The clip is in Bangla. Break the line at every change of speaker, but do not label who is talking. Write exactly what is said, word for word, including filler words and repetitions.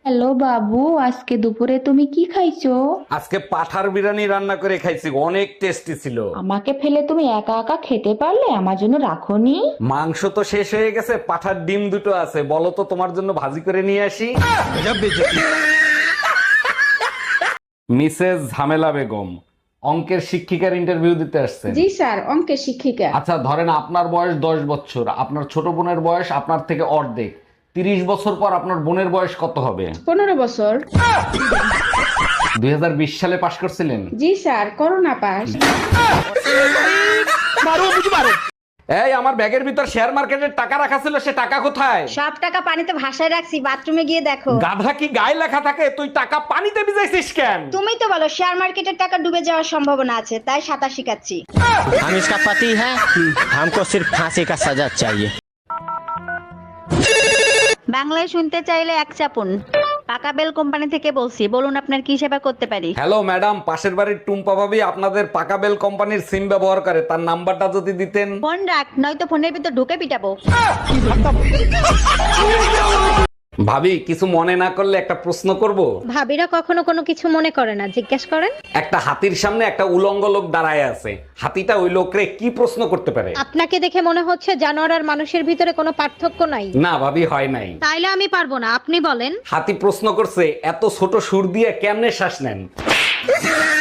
হ্যালো বাবু, আজকে দুপুরে তুমি কি খাইছো?
আজকে পাঠার বিরিয়ানি রান্না করে খাইছি, অনেক টেস্টি ছিল।
আমাকে ফেলে তুমি একা একা খেতে পারলে, আমার জন্য রাখোনি?
মাংস তো শেষ হয়ে গেছে, পাঠার ডিম দুটো আছে, বলো তো তোমার জন্য ভাজি করে নিয়ে আসি। মিসেস ঝামেলা বেগম, অঙ্কের শিক্ষিকার ইন্টারভিউ দিতে আসছেন।
জি স্যার, অঙ্কের শিক্ষিকা।
আচ্ছা ধরেন আপনার বয়স দশ বছর, আপনার ছোট বোনের বয়স আপনার থেকে অর্ধেক। তিরিশ বছর পর আপনার বোনের বয়স কত হবে?
পনেরো বছর।
দুই হাজার বিশ সালে পাশ করছিলেন?
জি স্যার, করোনা পাস।
এই আমার ব্যাগের ভিতর শেয়ার মার্কেটের টাকা রাখা ছিল, সে টাকা কোথায়?
সব টাকা পানিতে ভাসায় রাখছি, বাথরুমে গিয়ে দেখো।
গাধা কি গায়ে লেখা থাকে? তুই টাকা পানিতে ভিজাইছিস কেন?
তুমি তো বলো শেয়ার মার্কেটের টাকা ডুবে যাওয়ার সম্ভাবনা আছে, তাই সাঁতার শিখাচ্ছি।
हम इसका पति है, हमको सिर्फ फांसी का सजा चाहिए।
বাংলায় শুনতে চাইলে এক চাপুন। পাকা বেল কোম্পানি থেকে বলছি, বলুন আপনার কি সেবা করতে পারি।
হ্যালো ম্যাডাম, পাশের বাড়ির টুম্পা ভাবি আপনাদের পাকাবেল কোম্পানির সিম ব্যবহার করে, তার নাম্বারটা যদি দিতেন।
ফোন রাখ, নয়তো ফোনের ভিতর ঢুকে পিটাবো।
ভাবি কিছু মনে না করলে একটা প্রশ্ন করব।
ভাবিরা কখনো কোনো কিছু মনে করে না, জিজ্ঞেস করেন।
একটা হাতির সামনে একটা উলঙ্গ লোক দাঁড়ায় আছে, হাতিটা ওই লোকরে কি প্রশ্ন করতে পারে?
আপনাকে দেখে মনে হচ্ছে জানোয়ার আর মানুষের ভিতরে কোনো পার্থক্য নাই।
না ভাবি, হয় নাই।
তাইলে আমি পারবো না, আপনি বলেন।
হাতি প্রশ্ন করছে, এত ছোট সুর দিয়ে কেমনে শ্বাস নেন?